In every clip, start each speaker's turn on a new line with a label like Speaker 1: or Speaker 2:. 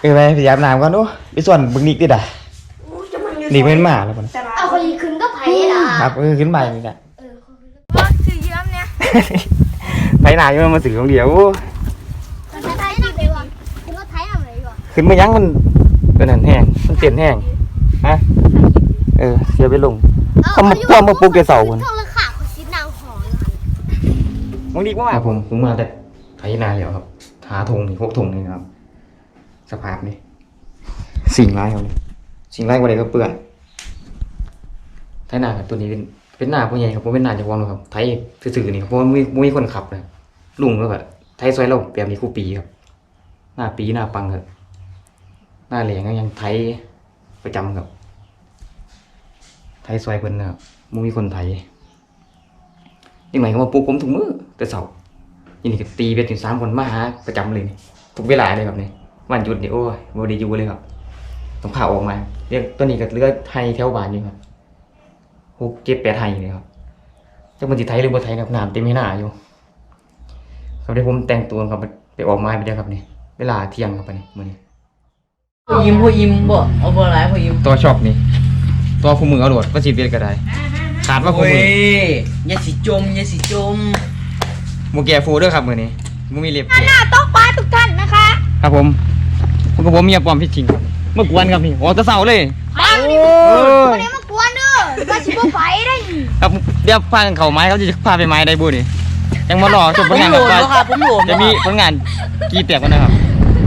Speaker 1: ไปอาบน้ำก่อนดูไปส่วนบึงนิกดิด่ะนิกเป็นหมาแล้วคน
Speaker 2: เอาคนขึ้นก็ไผ่ล่ะ
Speaker 1: ครับขึ้นไปนี่แหละ
Speaker 2: ว่าถือเยิ้มเนี่ย
Speaker 1: ไปหนาอยู่มาสื่อของเดียว
Speaker 2: มันไทยดีเลยวะขึ้นรถไทยอะไรวะ
Speaker 1: ขึ้นมายังมันเป็นหันแห้งมันเตียนแห้งฮะเสียไปลงเขามาพ่วงมาปลุกแกเสาคน
Speaker 2: ช่วงราคาเขาซิดนางหอเลย
Speaker 1: มึงดีมากผมมาแต่ไถนาแล้วครับหาธงนี่พวกธงนี่ครับสภาพนี่สิ่งร้ายเขาสิ่งร้ายกว่าใดก็เปื่อนไถนาครับตัวนี้เป็นหน้าผู้ใหญ่ครับผมเป็นหน้าเจ้าของครับไถซื่อๆนี่ครับเพราะว่ามีคนขับเลยลุงก็แบบไถซอยเราเปรียบนี้คู่ปีครับหน้าปีหน้าปังครับหน้าเหลียงก็ยังไถประจำครับไทยซอยเพิ่นนะครับมีคนไทยยังไงเขามาปลุกผมทุกมื้อแต่เสาร์ยินดีกับตีเบ็ดถึง3 คนมาหาประจำเลยนี่ทุกเวลาเลยครับนี่วันหยุดนี่โอ้ยบ่ได้อยู่เลยครับต้องข่าวออกมาเรียกตัวนี้ก็เลือไทยแถวบ้านอยู่ครับ6 7 8ไทยเลยครับจักมันสิไทยหรือบ่ไทยครับน้ำเต็มให้หน้าอยู่ครับเดี๋ยวผมแต่งตัวครับไปออกมาไปเด้อครับนี่เวลาเที่ยงครับไปนี่มื้อนี้
Speaker 3: พอยิ้มบ่เอาบ่หลายพอยิ้ม
Speaker 1: ตัวชอบนี่ตัวคู่มือเอาโดดก็สิเบ็ดก็ได้ขาดว่าคู่มือ
Speaker 3: อย่าสิจม
Speaker 1: หมูแก่ฟูด้วยครับมือนี้มูมีเล็บ
Speaker 2: หน้าต้องปลาทุกท่านนะคะ
Speaker 1: ครับผมกับผมเมียปลอมพี่จริงเมื่อกวนครับนี่โอ้ตะเสาเลย
Speaker 2: ปังดิคนนี้มากวนเด้อมาชิบไฟได้
Speaker 1: ครับเดี๋ยวพาเขาไม้เขาจะพาไปไม้ได้บุนี่ยังมาหล่อจบผลงานแบบว่าจะมีผลงานกี่เปียกกันนะครับ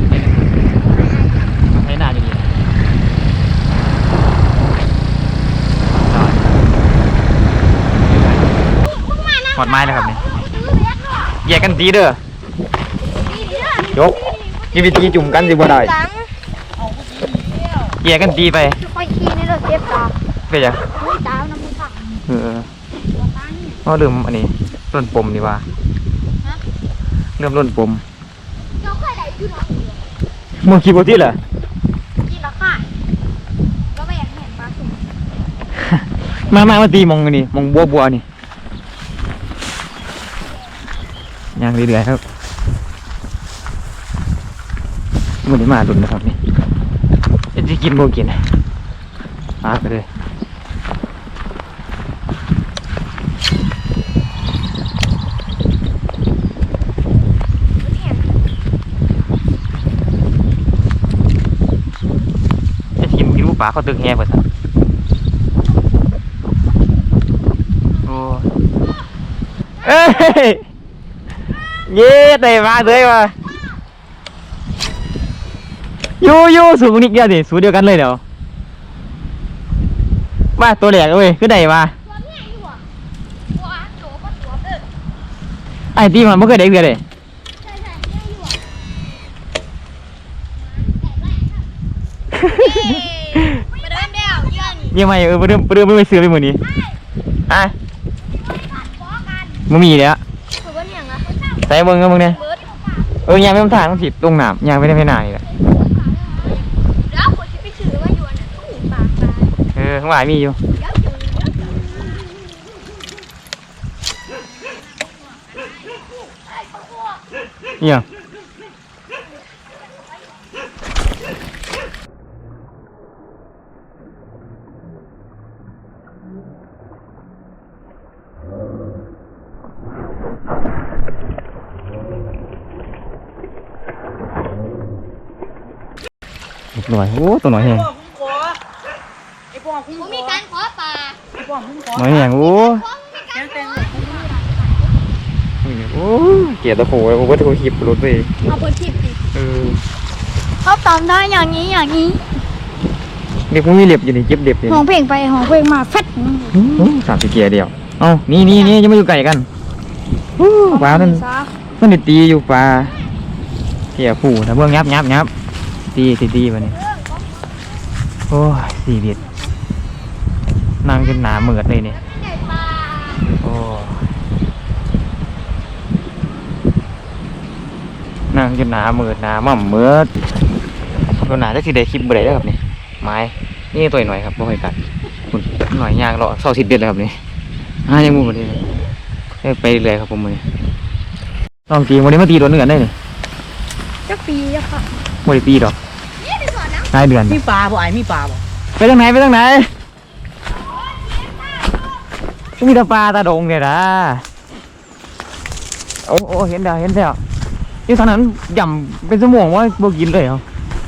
Speaker 1: ให้หน้าอยู่ดีหอดไม้เลยครับนี่แยกกันตีเด้อยกนี่วิธีจุ่มกันสิบ่ได้แยกกันตีไป
Speaker 2: ค่อยขี้นี่เราเจ็บตา
Speaker 1: ไปยัง
Speaker 2: ตาน้ำมันค่ะ
Speaker 1: ก็เริ่มอันนี้ร่นปมดีว่าเริ่มร่นปมมึงคิดว่าที่เหรอ
Speaker 2: กินแล้วค่ะก็ไม่อยากเห็นปลาสุ่
Speaker 1: มมาตีมองนี่มองบัวนี่ยังเรื่อยๆครับมันได้มาดุนนะครับนี่จะกินโบกินมาไปเลยจะกินลูกปลาเขาตึกแห่เปิดโอ้เอ้ยเย้ได้มาเลยว่ะยูสูงนิดเดียวดิสูงเดียวกันเลยเดี๋ยวมาตัวแหลกเว้ยคือได้มาไอ้ที่มันไม่เคยได้เดียวเลยยังไงเริ่มไม่ซื้อไปเหมือนนี้อ่ะมันมีแล้วใส่เบิ้งก็มึงเนี่ยยางไม่ต้องถ่ายต้องผิดตรงหนามยางไม่ได้ไม่นานนี่แหละ
Speaker 2: แล้วคนที่ไปถือว่าอยู่น่ะต้องหนีปาก
Speaker 1: ข้างหลังมีอยู่เนี่ยหน่อยโอ้ตัวหน่อยแห้ง
Speaker 2: มีการขอปลา
Speaker 1: หน่อยแห้งโอ้เกียร์ตะโขโอ้ว่าตะโขหิบรถไป
Speaker 2: เอาเปิดทิปดิ
Speaker 1: เขา
Speaker 2: ตามได้อย่างนี้
Speaker 1: เด็กพวกนี้เล็บอยู่นี่เจ็บเล็บอยู่
Speaker 2: ห้องเพลงไปห้องเพลงมาแฟด
Speaker 1: 30 เกียร์เดียวเอ้านี่ยังไม่อยู่ไกลกันปลานั่นมันตีอยู่ปลาเกียร์ผู้ถ้าเบื้องยับตีวันนี้โอ้ย4 เมตรนั่งจนหนาเหมือดเลยเนี่ยโอ้นั่งจนหนาเหมือดหนาม่ำเหมือดตัวหนาจะสิได้คลิปบ่ได้แล้วครับนี่ไม้นี่ตัวหน่อยครับบ่ค่อยกัดหน่อยยางรอ20 เดือนแล้วครับนี่ยังมุมเลยไปเลยครับผมเลยลองตีวันนี้มาตีโดนเนื้อได้เลย
Speaker 2: จะปีอะค่ะ
Speaker 1: ไม่ได้ตีดอกรายเดือน
Speaker 3: มีปลาบ่ไอ้มีปลาบ่
Speaker 1: ไปทางไหนไปทางไหนมีแต่ปลาตาดงเนี่ยนะโอ้เห็นแล้วที่ทางนั้นย่ำเป็นสมองว่าบ่กินเลยเหรอ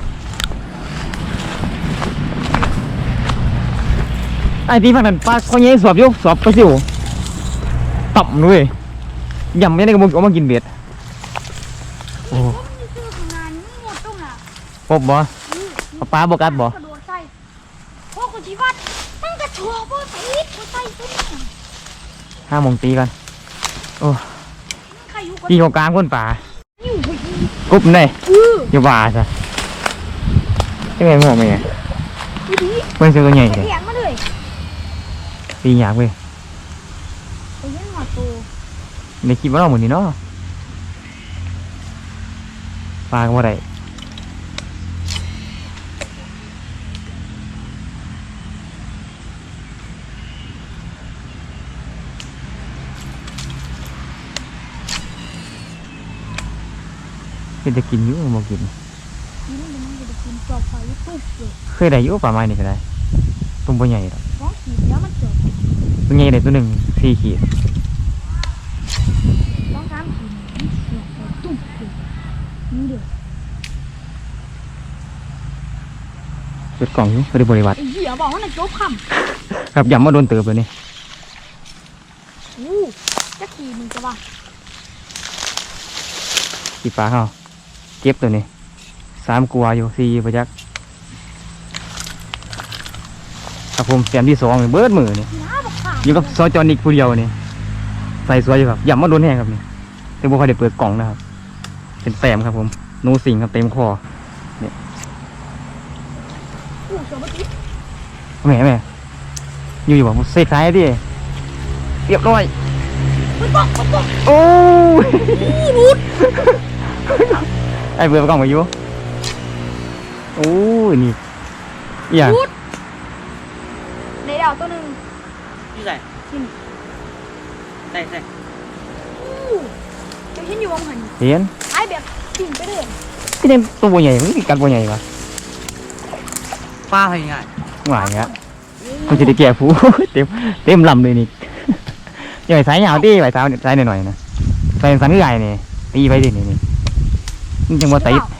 Speaker 1: ไอ้ที่ฝั่งนั้นปลาเขาเงี้ยสอบยกสอบไปสิวต่ำด้วยย่ำไม่ได้ก็บ่เอามากินเบ็ดโอ้
Speaker 2: ผมนี่คือของงานนี่หมดตรงน่ะ
Speaker 1: ปบบ่เอาปลาบ่กัดบ่
Speaker 2: กระโดดใส่พวกคนที่วัดมันกระโชว์พวกตีดพวกใส่ตัวนี้
Speaker 1: 5 โมงตีกันโอ้
Speaker 2: ใครอยู่กัน
Speaker 1: ตีของกลางคนป่า
Speaker 2: อยู่พอดี
Speaker 1: กรุ๊บเลย
Speaker 2: อือ
Speaker 1: อย่าว่าซะยังไงงงไหมเนี่ย
Speaker 2: พอดี
Speaker 1: เพิ่งซื้อตัวใหญ่เลย
Speaker 2: เถียงมาเลย
Speaker 1: ตียากเว้ย
Speaker 2: ไปเย็นหัวโต
Speaker 1: ในคลิปว่าเราเหมือนนี่เนาะปลาก็ว่าได้เป็นจะกินอยู่บ่กิน
Speaker 2: นี่มันจะกินจอบไฟตุ๊บเลย
Speaker 1: เคยได้อยู่ปลาไม้นี่ก็ได้ตุ้มตัวใหญ่ดอก
Speaker 2: ร้องขีดแล้วมันจบ
Speaker 1: ตัวใหญ่ได้ตัวหนึ่ง4 ขีด
Speaker 2: ร้อง3ขีดมันเสียบไปตุ๊บเลยนี่เด้อ
Speaker 1: เปิดกล่องอยู่บริวัติ
Speaker 2: ไอ้เหี้ยบอกว่าน่ะจบค
Speaker 1: ครับย้ำมาโดนเติบเลยนี่
Speaker 2: ำอู้จะขี่มึงจะว่า
Speaker 1: ขีดปลาเขาเก็บตัวนี้3 กว่าอยู่4ประยักครับผมแต้มที่2นี่เบิดมือนี่
Speaker 2: น้าบอกขาด
Speaker 1: อยู่กับซอจอนิกผู้เดียวนี่ใส่สวยอยู่ครับย่ำมาโดนแห้งครับนี่แต่บ่ค่อยได้เปิดกล่องนะครับเป็นแต้มครับผมนูสิงครับเต็มคอ
Speaker 2: อู้เสือมาติด
Speaker 1: แม่อยู่บอกเสกท้ายดิเรียบร้อย
Speaker 2: มันบอกมันบอก
Speaker 1: โอ้ย
Speaker 2: รุด
Speaker 1: ไอ้เบื่อกล่องมาอยู่โอ้ยนี่อหย่าง
Speaker 2: รุดในดาวตัวหนึ่ง
Speaker 3: อยู่ใส่ใส่
Speaker 2: อู้จะเห็นอยู่วงหัน
Speaker 1: เห็น
Speaker 2: ไอ้แบบสิ่งไปเลย
Speaker 1: ที่นี่ตัวบัวใหญ่มันมีกัดบัวใหญ่ปะ
Speaker 3: ปลาเป็นไง
Speaker 1: หวานเงี้ยมันจะได้แก่ผู้ เต็มลำเลยนี่อย่าไปสายยาวดิไปสายหน่อยๆนะสายสันใหญ่นี่ตีไปดินี่มันจังว่าติด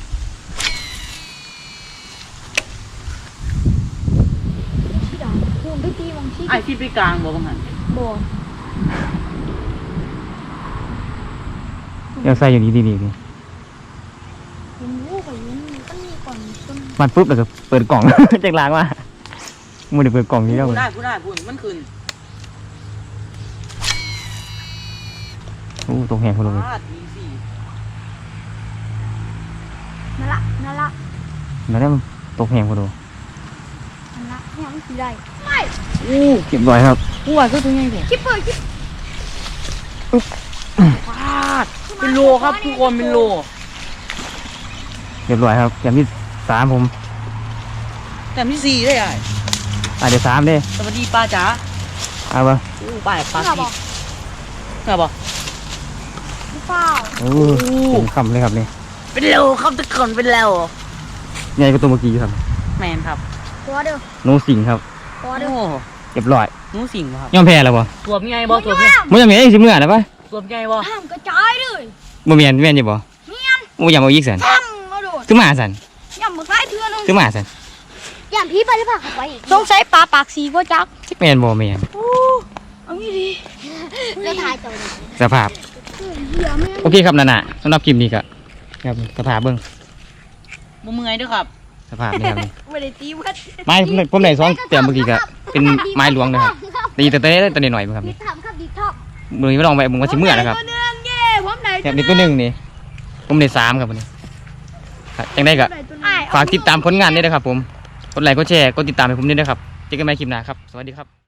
Speaker 2: ที่ดาวพวงไปตีวงที่
Speaker 3: ไอ้ที่ไปกลางบ่บังหัน
Speaker 2: บ่
Speaker 1: เดี๋ยวใส่อยู่นี่ดีๆนี่
Speaker 2: เห็นลูกไปเห็นมันมีก่อนต้น
Speaker 1: มันปุ๊บแล้วก็เปิดกล่อง จากล้างว่ามึงได้เปิดกล่องนี้แล้ว
Speaker 3: พู
Speaker 1: มึ
Speaker 3: ด
Speaker 1: ง
Speaker 3: ได้มันขึ้น
Speaker 1: โอ้ตกแหงคนลงเลย
Speaker 3: ปลาดีสิ
Speaker 2: นั่นละ
Speaker 1: แล้วเนี่ยมันตกแหงคนลง
Speaker 2: เนี่ยมันสีได้ไม่
Speaker 3: อู้
Speaker 1: เก็บร้อยครับ
Speaker 3: ผู้ว่าก็ตัวใหญ่แท้
Speaker 2: คิดเปิดคิด
Speaker 3: ปลาเป็นโลครับทุกคนเป็นโล
Speaker 1: เรียบร้อยครับอย่างที่3ผม
Speaker 3: แต่ที่4ได้ไอ้
Speaker 1: เดี๋ยว3เด้
Speaker 3: สวัสดีป้าจ๋า
Speaker 1: เอาปะ
Speaker 3: อู้ปลา
Speaker 2: เป
Speaker 3: สี่
Speaker 2: บอก
Speaker 3: เงาบ่
Speaker 2: หรือเปล่า
Speaker 1: โอ้เต็มคำเลยครับนี่
Speaker 3: เป็นโลครับทุกคนเป็นโล
Speaker 1: ใหญ่กว่าตัวเมื่อกี้ครับ
Speaker 3: แมนครับ
Speaker 2: ตัวเด้อ
Speaker 1: โนสิงครับ
Speaker 2: ตัว
Speaker 3: โอ้
Speaker 2: เด้อ
Speaker 1: เรียบร้อย
Speaker 3: หนูสิงบ่ครับ
Speaker 1: ยอมแพ้แล้วบ่
Speaker 3: ตัวใหญ่บ่ตัวใหญ่
Speaker 1: มันยังไงสิเมื่อนะปะ
Speaker 3: ตัวใหญ่บ่
Speaker 2: ห้ามกระจายเลย
Speaker 1: บ่แม่นแม่นอยู่บ่
Speaker 2: เมียน
Speaker 1: บ่อยากเอาอีกสัน
Speaker 2: ตั้งมาโดด
Speaker 1: ซื้อมาสัน
Speaker 2: ย่ำมือซ้ายเทือนึง
Speaker 1: ซื้อมาสัน
Speaker 2: ย่ำพี่ไปหรือเปล่าไปอีกสงสัยปลาปากสีก็จัก
Speaker 1: แม่นบ่แม่น
Speaker 2: โอ้เอางี้ดีแล้วทายตัวนี้
Speaker 1: สภาพ
Speaker 2: เหี้ยแม่ง
Speaker 1: โอเคครับนั่นน่ะสำหรับคลิปนี้ก็ครับสภาพเบิ่ง
Speaker 3: บ่เมื่อยเด้อครับ
Speaker 1: สภาพนี่ครับนี่
Speaker 2: ไม่ได้ตีวัด
Speaker 1: ไม้ผมได้2แต้มเมื่อกี้ก็เป็นไม้หลวงนะครับตีแต่ตัวหน่อยๆครับ
Speaker 2: ดี
Speaker 1: นี่
Speaker 2: ทำครับดีทอบ
Speaker 1: มื้อนี้ไม่ลองไปมึงว่าสิเมื่อนะครับ
Speaker 2: ผมได้ตัวหนึ่งเย้ผมได้
Speaker 1: แบบนี้ตัวหนึงนี่ผมได้3ครับวันนี้ครับจังได้ก็ ฝากติดตามผลงานด้วยนะครับผม กดไลค์ กดแชร์ กดติดตามให้ผมด้วยนะครับ เจอกันใหม่คลิปหน้าครับ สวัสดีครับ